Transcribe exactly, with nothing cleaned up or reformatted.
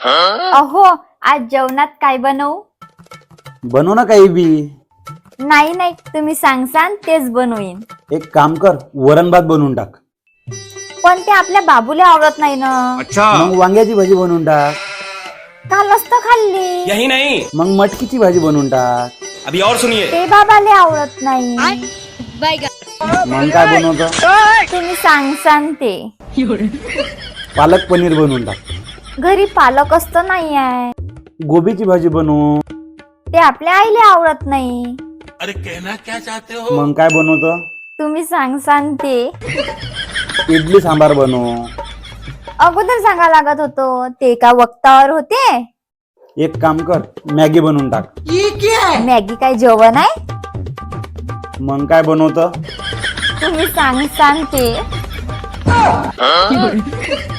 अहो आज जेवणात काय बनवू? बनव ना काही बी. नाही नाही तुम्ही सांगसान तेच बनवीन. एक काम कर, वरण भात बनवून टाक. पण ते आपल्या बाबूला आवडत नाही ना. मग वांग्याची भाजी बनवून टाक. कालच तर खाल्ली. यही नहीं, मग मटकीची भाजी बनवून टाक. अभी और सुनिए. ते बाबाला आवडत नाही. मग काय बनवतो? तुम्ही सांगसान ते. पालक पनीर बनवून टाक. घरी पालक असतं नाही आहे. गोबीची भाजी बनवू. ते आपल्या आईला आवडत नाही. अरे कहना क्या चाहते हो? मग काय बनवतो? तुम्ही सांगसान ते. इडली सांबार बनव. अगोदर सांगा लागत होतो, ते का वक्तावर होते. एक काम कर, मॅगी बनवून टाक. मॅगी काय जेवण आहे? मग काय बनवतो? तुम्ही सांगसान ते.